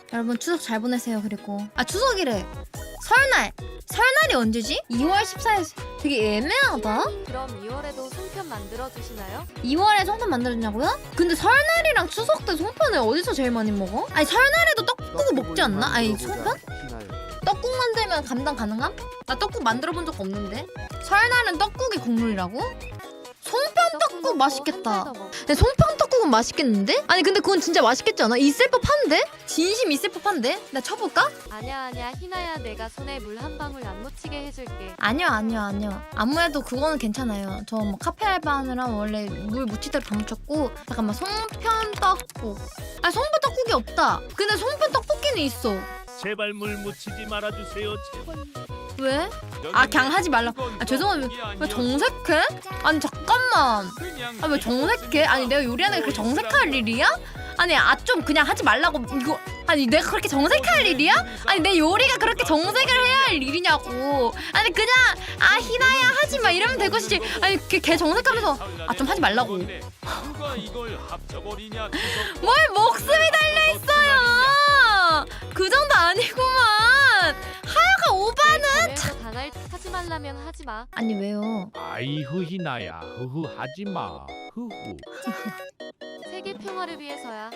여러분 추석 잘 보내세요. 그리고 추석이래. 설날이 언제지? 2월 14일. 되게 애매하다. 그럼 2월에도 송편 만들어 주시나요? 2월에 송편 만들었냐고요? 근데 설날이랑 추석 때 송편을 어디서 제일 많이 먹어? 아니 설날에도 떡국 먹지 않나? 아니 송편? 떡국 만들면 감당 가능함? 나 떡국 만들어 본 적 없는데. 설날은 떡국이 국물이라고? 송편 떡국 맛있겠다. 근데 송편 떡국은 맛있겠는데? 아니 근데 그건 진짜 맛있겠지 않아? 있을 법한데? 진심 있을 법한데? 나 쳐볼까? 아니야 희나야, 내가 손에 물 한 방울 안 묻히게 해줄게. 아니요. 아무래도 그거는 괜찮아요. 저 뭐 카페 알바하느라 원래 물 묻힐 대로 다 묻혔고. 잠깐만, 송편 떡국. 송편 떡국이 없다. 근데 송편 떡볶이는 있어. 제발 물 묻히지 말아주세요. 제발. 왜? 그냥 하지 말라. 죄송합니다. 왜 정색해? 아니 잠깐만. 왜 정색해? 아니 내가 요리하는 게 그렇게 정색할 일이야? 아니 좀 그냥 하지 말라고. 이거 아니 내가 그렇게 정색할 일이야? 아니 내 요리가 그렇게 정색을 해야 할 일이냐고. 아니 그냥 희나야 하지 마 이러면 될 것이지. 아니 걔 정색하면서 좀 하지 말라고. 누가 이걸 합쳐버리냐. 뭘 목숨이 달려 있어요. 그 정도 아니구만. 하여가 오바는. 당할 하지 말라면 하지 마. 아니 왜요? 아이후 희나야. 흐흐 하지마. 흐흐. 세계 평화를 위해서야.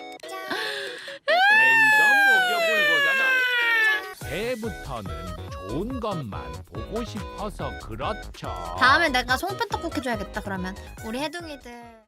매니저 목욕을 보잖아. 새해부터는 좋은 것만 보고 싶어서 그렇죠. 다음에 내가 송편 떡국 해줘야겠다. 그러면 우리 해둥이들.